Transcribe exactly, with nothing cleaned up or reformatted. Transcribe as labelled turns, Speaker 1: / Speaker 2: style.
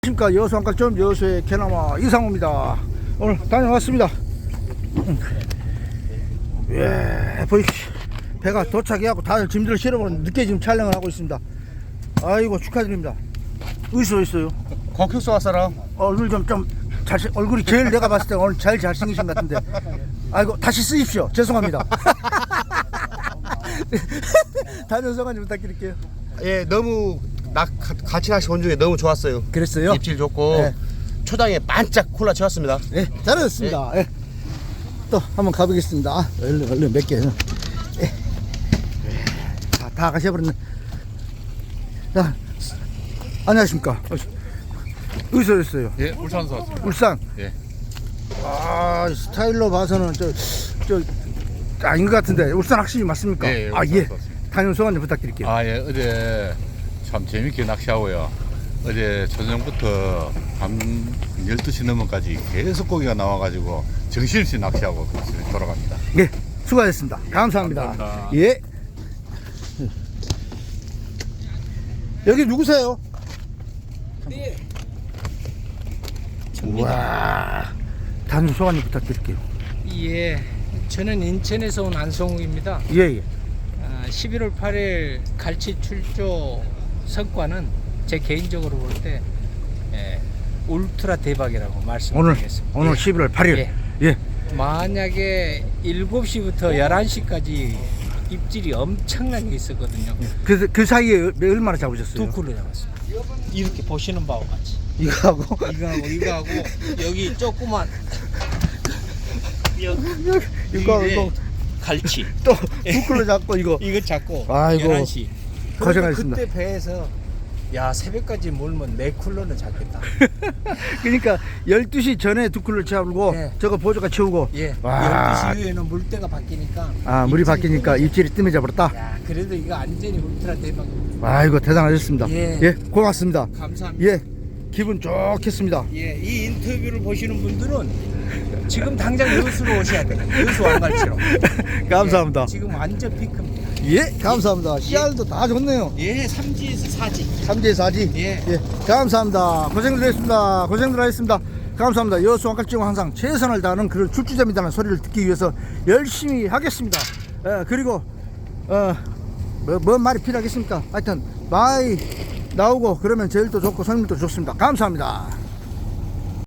Speaker 1: 안녕하십니까. 여수 한가점 여수의 개나마 이상호입니다. 오늘 다녀왔습니다. 예, 보이십시오. 배가 도착해갖고 다들 짐들을 실어버린 늦게 지금 촬영을 하고 있습니다. 아이고 축하드립니다. 어디서 있어요?
Speaker 2: 광평서 왔어라.
Speaker 1: 얼굴 좀 좀 잘생 얼굴이 제일 내가 봤을 때 오늘 제일 잘생기신 것 같은데. 아이고 다시 쓰십시오. 죄송합니다. 다녀온 소감 좀 부탁드릴게요.
Speaker 2: 예, 너무 나 같이 낚시 온 중에 너무 좋았어요.
Speaker 1: 그랬어요?
Speaker 2: 입질 좋고
Speaker 1: 네.
Speaker 2: 초장에 반짝 콜라 채웠습니다.
Speaker 1: 예, 잘하셨습니다. 예. 또 한번 가보겠습니다. 얼른 얼른 몇 개. 예. 다, 다 가셔버렸네. 자, 안녕하십니까. 어디서 오셨어요?
Speaker 3: 예, 울산서 왔습니다.
Speaker 1: 울산.
Speaker 3: 예.
Speaker 1: 아, 스타일로 봐서는 저, 저, 아닌 것 같은데. 울산 확실히 맞습니까?
Speaker 3: 예, 예,
Speaker 1: 아,
Speaker 3: 울산서
Speaker 1: 예.
Speaker 3: 왔습니다.
Speaker 1: 다녀온 소감 좀 부탁드릴게요.
Speaker 3: 아, 예, 어제 참 재밌게 낚시하고요. 어제 저녁부터 밤 열두 시 넘어까지 계속 고기가 나와가지고 정신없이 낚시하고 돌아갑니다.
Speaker 1: 예, 수고하셨습니다. 감사합니다.
Speaker 3: 감사합니다.
Speaker 1: 예. 여기 누구세요?
Speaker 4: 네.
Speaker 1: 우와. 단순 소감 좀 부탁드릴게요.
Speaker 4: 예, 저는 인천에서 온 안성욱입니다.
Speaker 1: 예, 예.
Speaker 4: 아, 십일월 팔일 갈치 출조 성과는 제 개인적으로 볼 때 예, 울트라 대박이라고
Speaker 1: 오늘,
Speaker 4: 말씀드리겠습니다.
Speaker 1: 오늘
Speaker 4: 예.
Speaker 1: 십일월 팔일.
Speaker 4: 예.
Speaker 1: 예.
Speaker 4: 만약에 일곱 시부터 열한 시까지 입질이 엄청나게 있었거든요.
Speaker 1: 그, 그 사이에 얼마나 잡으셨어요?
Speaker 4: 두 쿨로 잡았습니다. 이렇게 보시는 바와 같이.
Speaker 1: 이거하고?
Speaker 4: 이거하고 이거하고 여기 조그만
Speaker 1: 이거,
Speaker 4: 이게
Speaker 1: 이거.
Speaker 4: 갈치.
Speaker 1: 또, 부클로 잡고 이거.
Speaker 4: 이거 잡고
Speaker 1: 아이고,
Speaker 4: 열한 시
Speaker 1: 고생하셨습니다.
Speaker 4: 그때 배에서 야 새벽까지 몰면 네 쿨러는 잡겠다.
Speaker 1: 그러니까 열두 시 전에 두 쿨로 채우고
Speaker 4: 예.
Speaker 1: 저거 보조가 채우고.
Speaker 4: 예.
Speaker 1: 와.
Speaker 4: 열두 시 이후에는 물때가 바뀌니까.
Speaker 1: 아, 물이
Speaker 4: 입질이
Speaker 1: 바뀌니까
Speaker 4: 뜸해져.
Speaker 1: 입질이 뜸해져 버렸다.
Speaker 4: 야 그래도 이거 완전히 울트라 대박입니다.
Speaker 1: 아이고, 대단하셨습니다.
Speaker 4: 예.
Speaker 1: 예, 고맙습니다.
Speaker 4: 감사합니다.
Speaker 1: 예, 기분 좋겠습니다.
Speaker 4: 예, 이 인터뷰를 보시는 분들은 지금 당장 여수로 오셔야 돼요. 여수 왕갈치로.
Speaker 1: 감사합니다.
Speaker 4: 예, 지금 완전 피크입니다.
Speaker 1: 예, 감사합니다. 씨알도 다 좋네요.
Speaker 4: 예, 삼지에서 사지.
Speaker 1: 삼지 사지.
Speaker 4: 예.
Speaker 1: 예, 감사합니다. 고생들 했습니다. 고생들 하셨습니다. 감사합니다. 여수 왕갈치는 항상 최선을 다하는 그런 출주자입니다는 소리를 듣기 위해서 열심히 하겠습니다. 예, 그리고 어, 뭐, 뭔 말이 필요하겠습니까? 하여튼 많이 나오고 그러면 제일 또 좋고 손님도 좋습니다. 감사합니다.